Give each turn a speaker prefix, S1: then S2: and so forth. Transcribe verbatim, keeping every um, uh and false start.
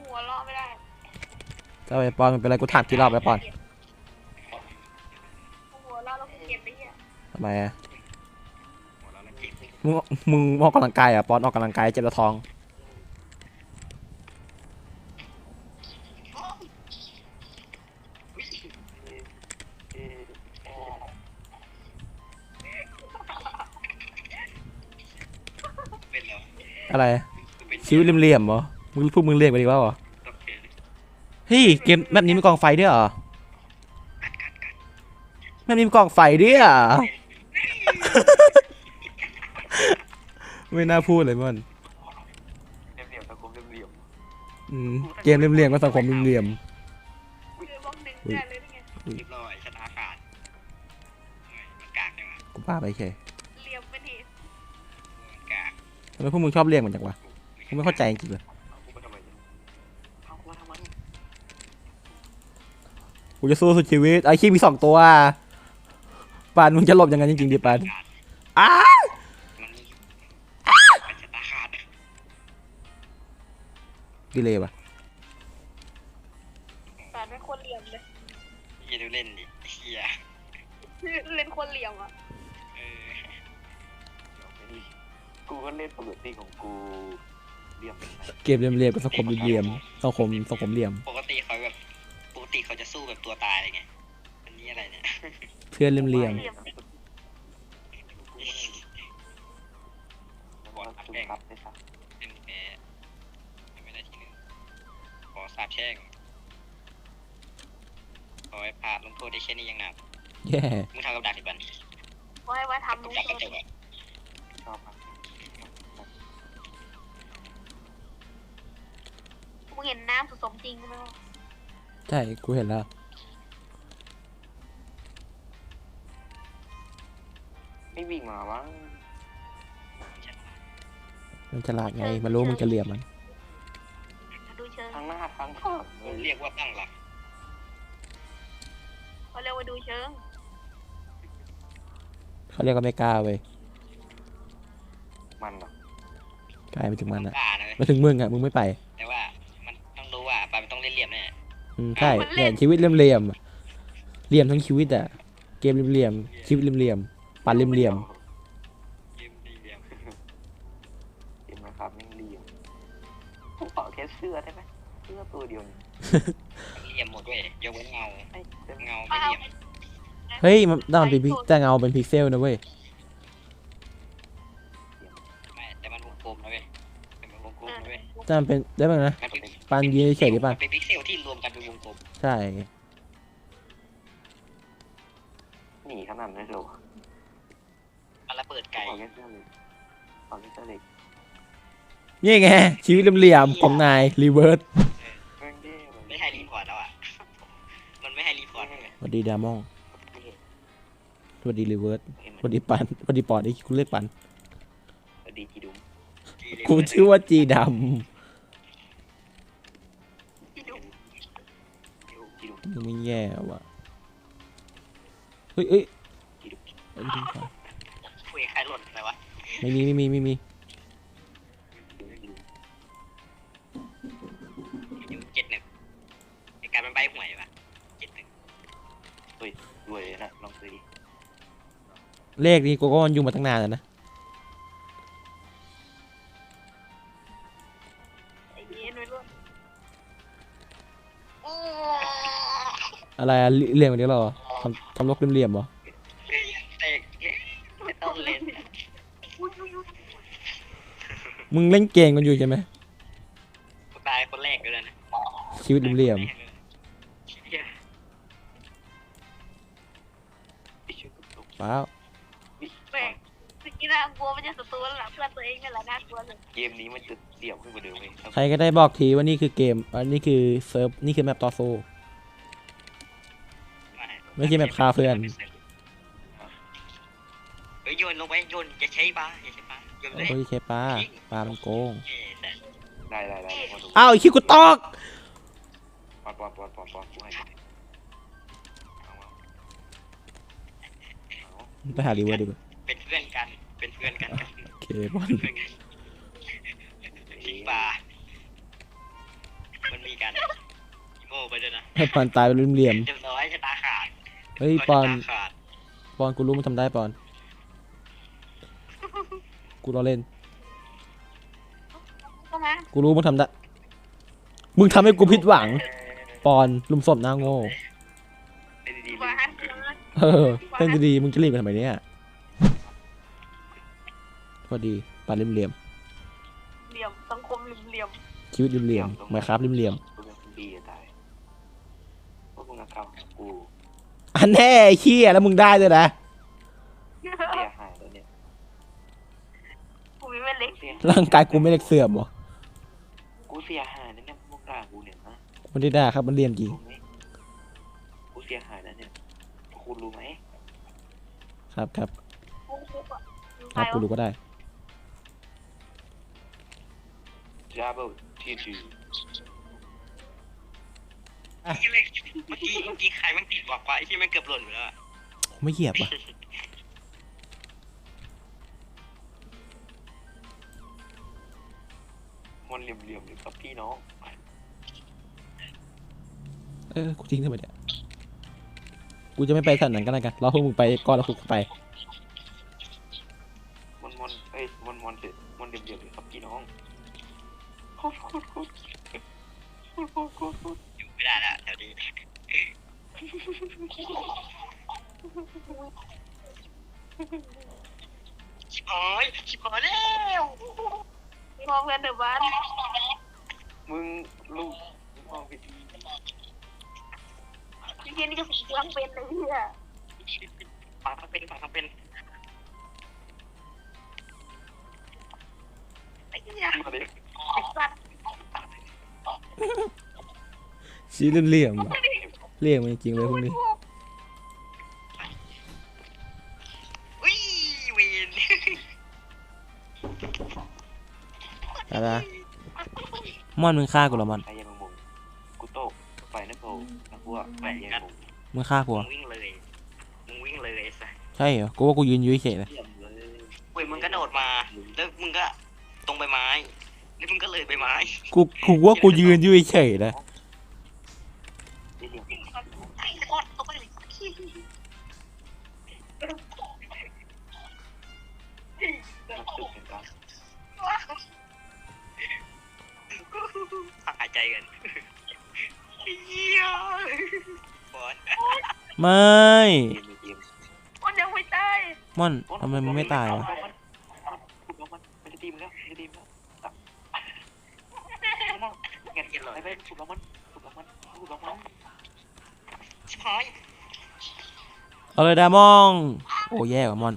S1: หัวเราะไม่ได้
S2: ถ้าไปปอนมันเป็นอะไรกูถามกี่รอบไปปอน
S1: หัวเราะแล้วกูเก็บไปเหี้ย
S2: ทำไมอะมึงมึงออกกำลังกายอ่ะปอนออกกำลังกายเจ็บท้องอะไรชีวิตเหลี่ยมๆเหรอมึงพูดมึงเรียกไปดีกว่าเหรอเฮ้ยเกมแบบนี้มีกองไฟด้วยเหรอแบบนี้มีกองไฟด้วยอ่ะ ไม่น่าพูดเลยมัน
S3: เหลี่ยมๆสังคมเหลี่ยม
S2: อืมเกมเหลี่ยมๆก็สังคมเหลี่ยม
S1: คือบล็อกหนึ่งได้เลยนี่ไง
S3: ๆเรียบร้อยชะตาขาดมันกากจังวะ
S2: ๆกูป้าไปแค่
S1: เหลี่ยมเป็นเหตุ
S3: มันกาก
S2: ทำไมพวกมึงชอบเรียกมันจังวะกูไม่เข้าใจจริงๆเลย
S3: เอากูมาทำไมเนี่ยเอากูมาทำไม
S2: กูจะสู้สุดชีวิตไอ้ขี้มีสองตัวปานมึงจะหลบยังไงจริงๆดิปานอ้า
S3: มันมันชะตาขาด
S2: ดีเลยปะ
S1: แต่เป็นคนเหลี่ยมเลย
S3: อย่าดูเล่นดิเฮีย
S1: เล่นคนเหลี่ยมอ่ะ
S3: เออกูก็เล่นปกติของกูเหลี่ยม
S2: เกมเหลี่ยมๆกับสังคมเหลี่ยมๆสังคมสังคมเหลี่ยม
S3: ปกติเขาแบบปกติเขาจะสู้แบบตัวตายอะไรไงอันนี้อะไรเนี่ย
S2: เพื่อนเหลี่ยม
S1: เหลี่ยม
S3: บอลอัดแข่งครับเป็นแพ้ไม่ได้ที่หนึ่งขอสาบแช่งขอให้พาลงโทษได้แค่นี้ยังหนัก
S2: ๆแย่
S3: มึงทำกับดักดิบัน
S1: ไว้ไว้ทำ
S3: กั
S1: ลุ
S3: บ
S1: ง
S3: ดักกระ
S1: โท
S3: จ
S1: ษ
S3: กอะชอบครับ
S1: มึงเห็นน้ำผสมจริงไหม
S2: ใช่กูเห็นแล้ว
S3: ไม่วิ่งมาวะ
S2: มันฉลาดไงมันรู้มึงจะเหลี่ยมมัน
S1: ดูเชิง
S3: ทางหน้าทางข้างเรียกว่าตั้งหลัก
S1: เขาเรียกว่าดูเชิง
S2: เขาเรียกว่าไม่กล้าเว้ย
S3: มันหรอก
S2: ลายไปถึงมันอะ
S3: กล้านะ
S2: มาถึงมึงอะมึงไม่ไป
S3: แต่ว่ามันต้องรู้ว่าปลามันต้องเล่นเหลี่ยมแน่
S2: อืมใช่เนี่ยชีวิตเหลี่ยมๆอะเหลี่ยมทั้งชีวิตอะเกมเหลี่ยมๆชีวิตเหลี่ยมๆปั่นเหลี่ยม
S3: เหลี่ยมเหลี่ยมเหลี่ยมนะครับไม่เหลี่ยมผมขอแค่เสื้อได้ไหมเสื้อตัวเดียวเหลี่ยมหมดด้วยยกเว้นเงาเงาไม่เหลี่ยม
S2: ๆเฮ้ยมันได้มันเป็นพิกแต่เงาเป็นพิกเซลนะเว้ย
S3: ไม่แต่มันวงกลมนะเว้ยแต่มันวงกลมนะเว้ย
S2: แต่มันเป็นได้บ้างนะ
S3: มันเป็น
S2: ปานยืนเฉยๆดิปาน
S3: เป็นพิกเซลที่รวมกันเป็นวงกลม
S2: ใช่
S3: หนีขนาดนั้นเลยมันระเบิดไก่ขอแค่เสื้อเลยขอแค่เสื้อเล็ก
S2: นี่ไงชีวิตเหลี่ยมๆของนายรีเวิร์ส
S3: ไม่ให้รีพอร์ตแล้วอ่ะมันไม่ให้รีพอร์ตเลย
S2: สวัสดีดามองสวัสดีรีเวิร์สสวัสดีปันสวัสดีปอดไอ้คุณเรียกปัน
S3: สวัสดีจีดุม
S2: กูชื่อว่าจีด
S1: ที่ดู
S3: จีดุม
S2: ำมึงไม่แย่ว่ะเฮ้ยเอ้ย
S3: จีดุม
S2: เอ้ยดึงก่อน
S3: คุยใครหล่นอะไรวะ
S2: ไม่มีไม่มีไม่มี
S3: อยู่เจ็ดหนึ่งในการมันใบหวยป่ะเจ็ดหนึ่งเฮ้ยรวยนะลองซื้อดิ
S2: เลขนี้กูก็อยู่มาตั้งนานแล้วนะ
S1: ไอ้เย็นไว้รุ่น
S2: อะไรอะเหลี่ยมกันเดียวเหรอทำทำลกเหลี่ยมๆเหรอ
S3: เตะไม่ต้องเล่น
S2: มึงเล่นเกมกันอยู่ใช่ไหม
S3: ตายคนแรกเลยนะ
S2: ชีวิตเหลี่ยมๆเปล่า
S1: แม่งสกินน่ากลัวมันจะศัตรูแล้วล่ะเพื่อนตัวเองนี่แหละน่ากลัวเลย
S3: เกมนี้มันจะเดี่ยวขึ้นกว่าเดิมเลย
S2: ใครก็ได้บอกทีว่านี่คือเกมอันนี้คือเซิร์ฟนี่คือแมปต่อสู้ ไม่ใช่แบบฆ่าเพื่อน
S3: เฮ้ยโยนลงไปโยนอย่าใช้ปลาอย่าใช้ปลาโยนเลย
S2: โอ้ยเคปลาปลามันโกง
S3: ได้ได้ได้
S2: อ้าวไอ้คิวกูตอก
S3: ปอนปอนปอนปอนปอนกูให้
S2: ไปหารีเวิร์ดดีกว่า
S3: เป็นเพื่อนกันเป็นเพื่อนกัน
S2: โอเคบอล
S3: ทิ้งปลามันมีกันอีโมไปด้วยนะ
S2: ให้ปอนตายเป็นเหลี่ยม
S3: เรียบร้อยชะตาขาด
S2: ๆเฮ้ยปอน
S3: ชะตาขาด
S2: ปอนกูรู้มึงทำได้ปอน กูรอเล่น
S1: ก็มา
S2: กูรู้มึงทำได้ มึงทำให้กูผิดหวัง ปอนลุมศพหน้าโง่
S3: เล่นดีๆ
S1: วา
S3: เล่
S1: น
S3: นดี
S2: เออเล่นดีๆมึงจะรีบไปทำไมเนี่ยพอดีปานเหลี่ยม
S1: เหลี่ยมสังคมเหลี่ยม
S2: ๆชีวิตเหลี่ยมๆไม่ครับเหลี่ยม
S3: ๆกูเป็นคนดีจะตายพวกมึงเอาเข้าหากู
S2: ๆอันแน่ไอ้เหี้ยแล้วมึงได้ด้วยนะ
S1: ๆ
S3: เสียหายแล้วเนี่ย
S1: กูมีแม่เล็ก
S3: เสีย
S2: ร่างกายกูไม่เล็กเสื่อมเหรอ
S3: กูเสียหายแล้วเนี่ยพวกด่ากูเนี่ยนะ
S2: มันได้ด่าครับมันเหลี่ยมจริง
S3: รู้ไหมกูเสียหายแล้วเนี่ยคุณรู้ไหม
S2: ครับครับ
S1: กูคุกอ่ะ
S2: ครับกูรู้ก็ได้
S3: Double ทีที
S2: อ่ะ
S3: เมื่อกี้เมื่อกี้ใครมันติดบอกว่าไอ้ที่มันเกือบหล่นไปแล้วอะ
S2: ไม่เหยียบว่ะ
S3: มันเหลี่ยมๆเลยครับพี่น้อง
S2: เออกูทิ้งทำไมเนี่ยกูจะไม่ไปสถานนั้นก็แล้วกันรอพวกมึงไปก่อนแล้วกูไป
S3: มันมันเอ้ยมันมันเสร็จมันเหลี่ยมๆเลยครับพี่น้องโคตรโคตรโคตรโคตรโคตรโคตรอยู่ไม่ได้ละแถวนี้ชิบหายชิบหายแล้ว
S1: มองเงินเดือบ้าน
S3: มึงลูกมึงมองไปดี
S1: ที่เพี้ยนี่ก็สีเหลืองเป็นเลยเฮีย
S3: ปากทั้งเป็นปากทั้งเป็น
S1: ไอ้เหี้ย
S3: มาดิ
S1: ไอ้สัตว์
S2: ชีวิตเหลี่ยมๆว่ะเหลี่ยมจริงๆเลยพวกนี้
S3: อุ้ยเวน
S2: ไปละม่อนมึงฆ่ากูเหรอม่อน
S3: ใครยังมึงกูโตกไฟนั่นโผล่แล้วกูอ่ะไฟยังมึง
S2: มึงฆ่ากูเหร
S3: มึ
S2: อง
S3: วิ่งเลย มึงวิ่งเลยไอ้สัส
S2: ใช่เหรอกูว่ากูยืนอยู่เฉยๆนะ
S3: เยี่ยมเลยเว้ยมึงก็โดดมา แล้วมึงก็ตรงใบไม้ แล้วมึงก็เลยใบไม้
S2: กูกูว่ากูยืนอยู่เฉยๆนะ
S3: เดี๋ยว
S1: ไอ้กอดเอาไปเลย
S3: นักสืบเห็นปะ
S1: ว้า
S3: หายใจกันเยี่ยบอล
S2: ไม่
S3: เกมเกม
S1: มันยังไม่ตาย
S2: ม่อนทำไมมึงไม่ตายวะ
S3: ถูกแล้วมันมันจะตีมแล้วมันจะตีมแล้วเงี้ยเงี้ยเลยไปถูกแล้วมันถูกแล้วมันถูกแล้วมันชิบหาย
S2: เอาเลยดามองโอ้แย่กว่ามอน